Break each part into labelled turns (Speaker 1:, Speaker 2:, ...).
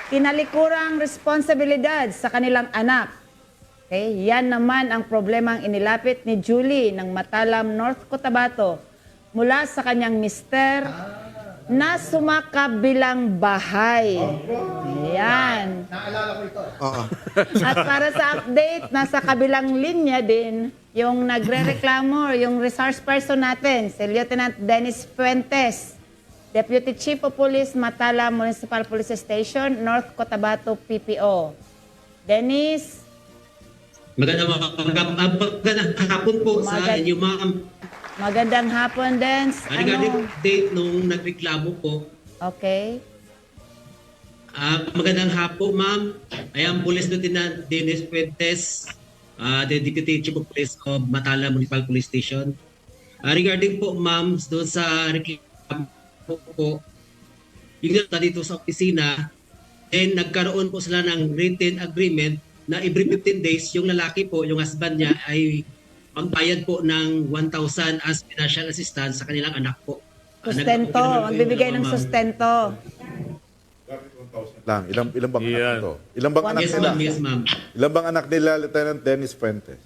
Speaker 1: kinalikurang responsibilidad sa kanilang anak. Okay? Yan naman ang problemang inilapit ni Julie ng Matalam, North Cotabato mula sa kanyang mister na sumakabilang bahay. Ayan.
Speaker 2: Naalala ko ito.
Speaker 3: Oo.
Speaker 1: At para sa update, nasa kabilang linya din yung nagre-reklamo, yung resource person natin, si Lieutenant Dennis Fuentes, Deputy Chief of Police, Matalam Municipal Police Station, North Cotabato, PPO. Dennis?
Speaker 4: Magandang hapon po sa inyo, ma'am.
Speaker 1: Magandang hapon, Dens.
Speaker 4: Regarding update nung nagreklamo po,
Speaker 1: Okay.
Speaker 4: magandang hapon, ma'am. I am Police Lieutenant Dennis Fuentes, the Deputy Chief of Police of Matala Municipal Police Station. Regarding po, ma'am, doon sa reklamo po, yung dito sa opisina, and nagkaroon po sila ng written agreement na every 15 days, yung lalaki po, yung husband niya ay magbayad po ng 1,000 as financial assistance sa kanilang anak po.
Speaker 1: Sustento. Magbibigay ng sustento.
Speaker 5: Lang, ilang bang anak
Speaker 6: Yan.
Speaker 5: ito? Ilang bang anak
Speaker 4: Yes,
Speaker 5: nila?
Speaker 4: ma'am. Yes, ma'am.
Speaker 5: Ilang bang anak nila, Lieutenant Dennis Fuentes?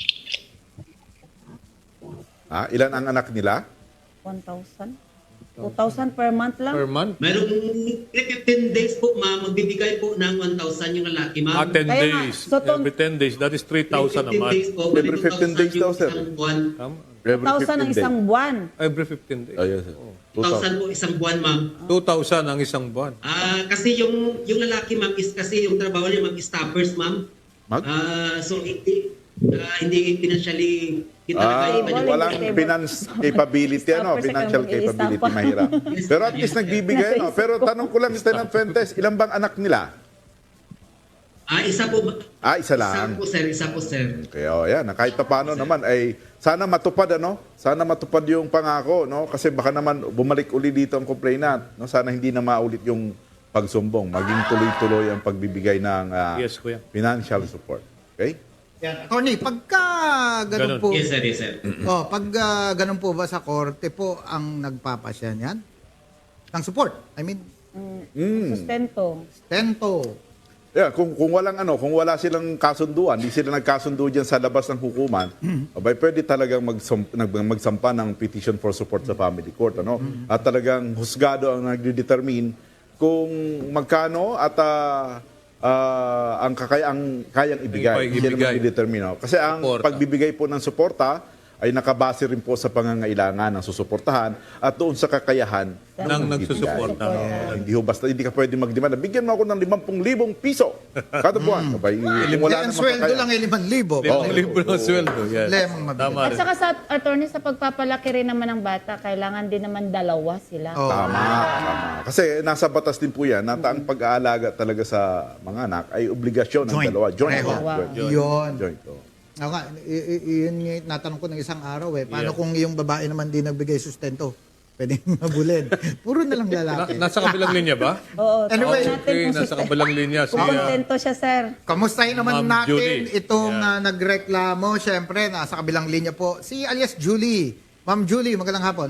Speaker 5: Ilan ang anak nila?
Speaker 1: 1,000? 2,000 per month lang?
Speaker 6: Per month?
Speaker 4: Mayroong 15 days po, ma'am. Magbibigay po ng 1,000 yung lalaki, ma'am.
Speaker 6: 10
Speaker 1: Kaya nga,
Speaker 6: days.
Speaker 1: so to-
Speaker 6: Every 10 days. That is 3,000 a
Speaker 4: 15
Speaker 6: month.
Speaker 4: days po.
Speaker 5: Every 15 days daw, sir.
Speaker 4: Isang buwan.
Speaker 6: Tama.
Speaker 5: Every
Speaker 1: 1,000 ang
Speaker 5: 15
Speaker 1: isang
Speaker 5: days.
Speaker 1: buwan.
Speaker 6: Every 15 days.
Speaker 5: Oh, yes, sir.
Speaker 4: 1,000 po isang buwan, ma'am.
Speaker 6: 2,000 ang isang buwan.
Speaker 4: Kasi yung lalaki, ma'am, is kasi yung trabaho niya, ma'am, is staffers, ma'am.
Speaker 5: Mag?
Speaker 4: So, hindi financially kita
Speaker 1: Stable,
Speaker 5: Walang
Speaker 1: stable.
Speaker 5: finance capability, ano?
Speaker 1: Stopper sa
Speaker 5: Financial
Speaker 1: kang
Speaker 5: capability,
Speaker 1: mag-iisang pa.
Speaker 5: mahirap. Pero at least nagbibigay, no? Pero tanong ko lang, Lieutenant Fuentes, ilang bang anak nila?
Speaker 4: Isa po.
Speaker 5: Isa lang.
Speaker 4: Isa po, sir.
Speaker 5: Kaya yan, kahit pa paano naman ay sana matupad, ano? Sana matupad yung pangako, no? Kasi baka naman bumalik uli dito ang complainant, no? Sana hindi na maulit yung pagsumbong, maging tuloy-tuloy ang pagbibigay ng
Speaker 6: Yes, kuya.
Speaker 5: financial support. Okay?
Speaker 2: Yan. Attorney, pagka ganun
Speaker 6: Ganun.
Speaker 2: po,
Speaker 4: Yes, sir. Yes, sir.
Speaker 2: pag ganun po ba sa korte po ang nagpapasya niyan? Ng support? I mean,
Speaker 1: Sustento.
Speaker 2: stento.
Speaker 5: Yeah, kung wala silang kasunduan, hindi sila nagkasundo diyan sa labas ng hukuman, abay pwede talagang magsampa ng petition for support sa family court, ano? At talagang husgado ang nagde-determine kung magkano at ang kayang ibigay.
Speaker 6: Yung
Speaker 5: Hindi naman
Speaker 6: ibigay.
Speaker 5: i-determine. Kasi ang
Speaker 6: Suporta.
Speaker 5: pagbibigay po ng suporta ay nakabase rin po sa pangangailangan ng susuportahan at doon sa kakayahan
Speaker 6: Nang
Speaker 5: magbibigay.
Speaker 6: nagsusuporta.
Speaker 5: Hindi ho basta, hindi ka pwede magdemanda. Bigyan mo ako ng 50,000 piso kada buwan. Abay, kung wala
Speaker 2: Ang
Speaker 5: namang
Speaker 2: sweldo
Speaker 5: kakaya.
Speaker 2: lang ay 5,000.
Speaker 6: 5,000 ang sweldo. Yes.
Speaker 2: Lemang mabili.
Speaker 6: Tama
Speaker 1: At
Speaker 6: rin.
Speaker 1: saka sa attorney, sa pagpapalaki rin naman ng bata, kailangan din naman dalawa sila.
Speaker 2: Oh.
Speaker 5: Tama. Kasi nasa batas din po yan, na ang pag-aalaga talaga sa mga anak ay obligasyon ng
Speaker 2: Joint.
Speaker 5: dalawa. Joint.
Speaker 2: Pareho.
Speaker 5: Joint.
Speaker 2: Yun.
Speaker 5: Joint. Oh.
Speaker 2: Ako nga, yun yung natanong ko ng isang araw eh. Paano kung yung babae naman di nagbigay sustento? Pwede mabulin. Puro na lang lalaki.
Speaker 6: Nasa kabilang linya ba?
Speaker 1: Oo,
Speaker 2: Anyway,
Speaker 1: tingnan natin
Speaker 6: Okay,
Speaker 1: kung
Speaker 6: nasa kabilang linya. Si,
Speaker 1: kung kontento siya, sir.
Speaker 2: Kamustahin naman
Speaker 6: Ma'am
Speaker 2: natin
Speaker 6: Julie.
Speaker 2: itong nagreklamo. Siyempre, nasa kabilang linya po. Si alias Julie. Ma'am Julie, magandang hapon.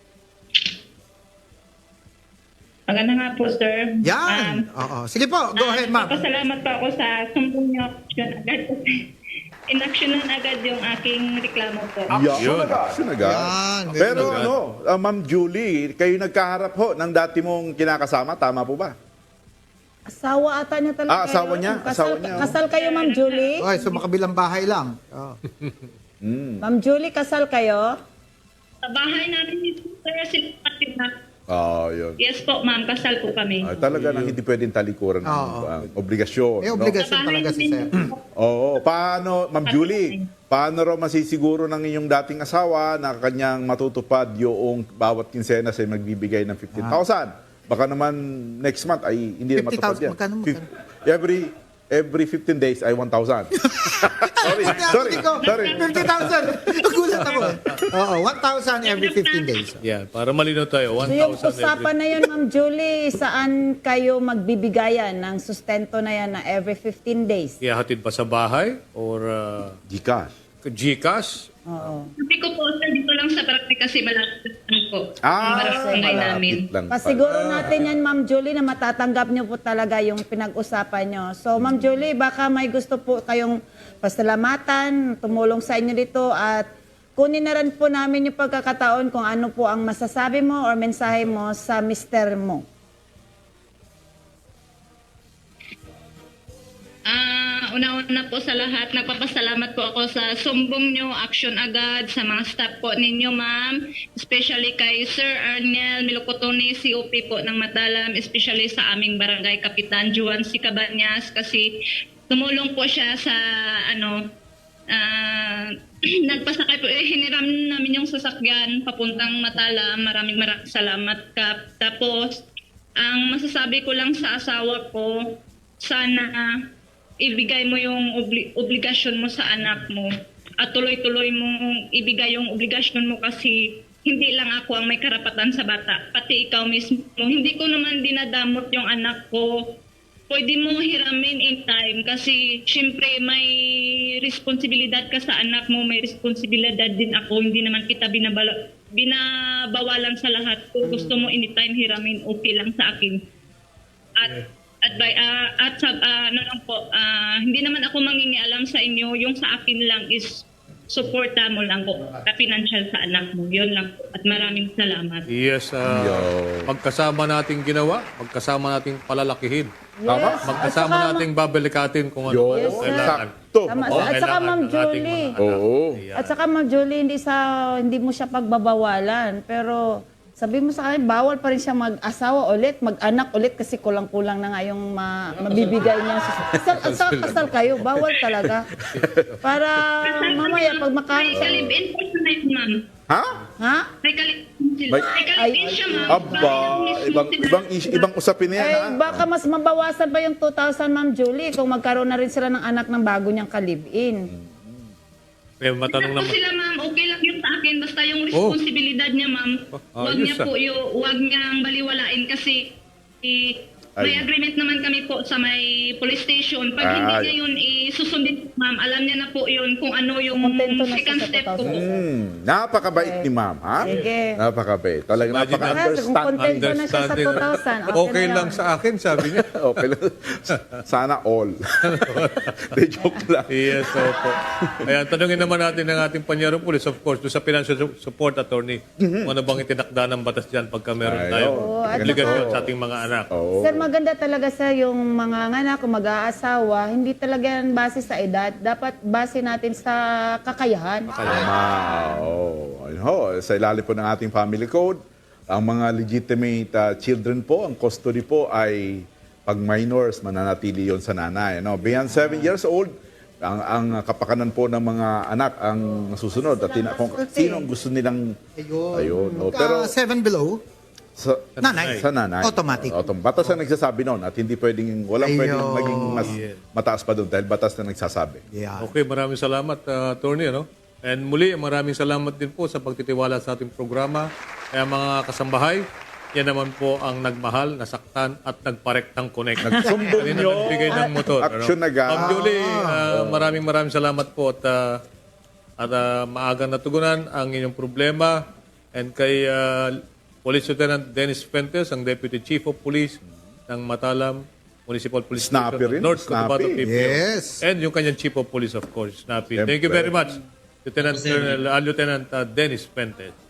Speaker 7: Maganda nga po, sir.
Speaker 2: Yan. Oo. Sige po, go ahead, ma'am.
Speaker 7: Pasalamat po ako sa sumbong niyo agad. Inaksyonan agad yung aking reklamo po.
Speaker 6: Yun.
Speaker 5: Sunaga.
Speaker 2: Yan.
Speaker 5: Pero
Speaker 6: Sunaga.
Speaker 5: Ma'am Julie, kayo nagkaharap ho ng dati mong kinakasama, tama po ba?
Speaker 1: Asawa ata niya talaga.
Speaker 5: Asawa
Speaker 1: kayo.
Speaker 5: niya,
Speaker 1: Kasal,
Speaker 5: asawa niya, oh.
Speaker 1: kasal kayo, Ma'am Julie?
Speaker 2: Okay, so makabilang bahay lang. Oh.
Speaker 1: Ma'am Julie, kasal kayo?
Speaker 7: Sa bahay namin dito, sir, sila.
Speaker 5: Yun.
Speaker 7: Yes po, ma'am. Kasal po kami.
Speaker 5: Talaga nang hindi pwedeng talikuran ng obligasyon.
Speaker 2: May
Speaker 5: no?
Speaker 2: obligasyon talaga si sir.
Speaker 5: Oo. Paano, Ma'am Julie, paano raw masisiguro ng inyong dating asawa na kanyang matutupad yung bawat kinsenas ay magbibigay ng 15,000? Baka naman next month ay hindi na matupad
Speaker 2: 50,000,
Speaker 5: yan.
Speaker 2: magkano?
Speaker 5: Every 15 days ay 1,000. sorry.
Speaker 2: 50,000. Nagulat ako. Oo, 1,000 every 15 days.
Speaker 6: Yeah, para malinaw tayo.
Speaker 1: So yung
Speaker 6: 1,000
Speaker 1: usapan na yun, Ma'am Julie, saan kayo magbibigayan ng sustento na yan na every 15 days?
Speaker 6: Ihahatid ba sa bahay? Or
Speaker 5: Gcash.
Speaker 6: GCash?
Speaker 1: Oo.
Speaker 7: Sabi ko po, sir, dito lang sa barangay kasi malapit lang po. Ang barangay namin.
Speaker 5: malapit lang
Speaker 1: Pasiguro natin yan, Ma'am Julie, na matatanggap niyo po talaga yung pinag-usapan niyo. So, Ma'am Julie, baka may gusto po kayong pasalamatan, tumulong sa inyo dito at kunin na rin po namin yung pagkakataon kung ano po ang masasabi mo or mensahe mo sa mister mo.
Speaker 7: Una-una po sa lahat, nagpapasalamat po ako sa sumbong nyo, action agad, sa mga staff po ninyo, ma'am. Especially kay Sir Arnel Milocotone, COP po ng Matalam, especially sa aming barangay Kapitan Juan C. Cabanyas kasi tumulong po siya sa nagpasakay po, hiniram namin yung sasakyan papuntang Matalam. Maraming salamat, Kap. Tapos, ang masasabi ko lang sa asawa ko, sana ibigay mo yung obligasyon mo sa anak mo at tuloy-tuloy mong ibigay yung obligasyon mo kasi hindi lang ako ang may karapatan sa bata, pati ikaw mismo. Hindi ko naman dinadamot yung anak ko. Pwede mo hiramin in time kasi syempre may responsibilidad ka sa anak mo, may responsibilidad din ako. Hindi naman kita binabawalan sa lahat. Kung gusto mo anytime hiramin, okay lang sa akin. Hindi naman ako mangingialam sa inyo. Yung sa akin lang is suporta mo lang po, ka-financial sa anak mo. Yun lang po. At maraming salamat.
Speaker 6: Yes, magkasama nating ginawa, magkasama nating palalakihin.
Speaker 1: Yes.
Speaker 6: Magkasama nating babelikatin kung ano
Speaker 5: Yo,
Speaker 6: ang kailangan.
Speaker 5: sakto.
Speaker 1: Tama.
Speaker 6: Oo,
Speaker 1: At saka,
Speaker 6: kailangan
Speaker 1: Ma'am
Speaker 6: ng ating
Speaker 1: Julie.
Speaker 6: mga anak.
Speaker 5: Oo.
Speaker 6: Ayan.
Speaker 1: At saka, Ma'am Julie, hindi mo siya pagbabawalan. Pero sabi mo sa kanya, bawal pa rin siya mag-asawa ulit, mag-anak ulit kasi kulang-kulang na nga yung mabibigay niya. Kasal kayo, bawal talaga. Para mamaya pag
Speaker 7: May
Speaker 1: makain.
Speaker 7: kalibin po siya na yun, ma'am.
Speaker 5: Ha?
Speaker 1: Ha?
Speaker 7: May kalibin sila. May kalibin siya, ma'am.
Speaker 5: Aba, ibang usapin na yan, ha?
Speaker 1: Eh, baka mas mabawasan pa yung 2,000, Ma'am Julie, kung magkaroon na rin sila ng anak ng bago niyang kalibin.
Speaker 6: Eh, matanong
Speaker 7: Basta po
Speaker 6: naman.
Speaker 7: sila, ma'am, okay lang yun sa akin. Basta yung responsibilidad niya, ma'am, wag
Speaker 6: ayos,
Speaker 7: niya po wag niyang baliwalain kasi may agreement naman kami po sa may police station. Pag hindi
Speaker 5: Ay.
Speaker 7: niya yun susundin, ma'am, alam niya na po yun kung ano yung
Speaker 1: Kontento na siya
Speaker 7: second
Speaker 1: sa
Speaker 7: step ko.
Speaker 1: 2,000.
Speaker 5: Napakabait ni ma'am, ha?
Speaker 1: Sige.
Speaker 5: Napakabait. Talagang
Speaker 6: Imagine
Speaker 1: Kung
Speaker 5: napaka-understand.
Speaker 1: kontento na siya sa 2,000,
Speaker 6: Okay
Speaker 1: na
Speaker 6: lang
Speaker 1: yan.
Speaker 6: sa akin, sabi niya.
Speaker 5: Okay lang. Sana all. De joke lang.
Speaker 6: Yes, opo. Ayan, tanungin naman natin ng ating panyarong pulis, of course, doon sa financial support attorney. Kung ano bang itinakda ng batas dyan pagka meron
Speaker 5: Ay,
Speaker 6: tayong
Speaker 5: oo.
Speaker 6: obligasyon sa ating mga anak.
Speaker 5: Oo.
Speaker 1: Sir, maganda talaga sa yung mga anak kung mag-aasawa, hindi talaga yan base sa edad. Dapat base natin sa kakayahan.
Speaker 5: Tama. Oo. Ayun ho, sa ilalim po ng ating family code, ang mga legitimate children po, ang custody po ay pag minors, mananatili yon sa nanay. No? Beyond 7 years old, ang kapakanan po ng mga anak ang susunod. At kung sino ang gusto nilang... Ayun. Oh, pero
Speaker 2: 7 below,
Speaker 5: sa
Speaker 2: nanay.
Speaker 5: Sa nanay.
Speaker 2: Automatic.
Speaker 5: Batas na nagsasabi noon at hindi walang
Speaker 2: Ayun.
Speaker 5: pwedeng maging mas mataas pa doon dahil batas na nagsasabi.
Speaker 2: yeah.
Speaker 6: Okay, maraming salamat, attorney. Ano? And muli, maraming salamat din po sa pagtitiwala sa ating programa. Kaya mga kasambahay, yan naman po ang nagmahal, nasaktan at nagparektang connect.
Speaker 5: Nagsumbong
Speaker 6: Kanina
Speaker 5: nyo.
Speaker 6: nagbigay ng motor.
Speaker 5: Action agad.
Speaker 6: Ma'am Julie, maraming salamat po at maagang natugunan ang inyong problema. And kay Police Lieutenant Dennis Fuentes, ang Deputy Chief of Police ng Matalam Municipal Police
Speaker 5: Snappy
Speaker 6: Station,
Speaker 5: rin,
Speaker 6: North Cotabato
Speaker 5: snappy.
Speaker 6: PPO.
Speaker 2: Yes.
Speaker 6: And yung kanyang Chief of Police, of course, Snappy.
Speaker 5: Siyempre.
Speaker 6: Thank you very much, Lieutenant Dennis Fuentes.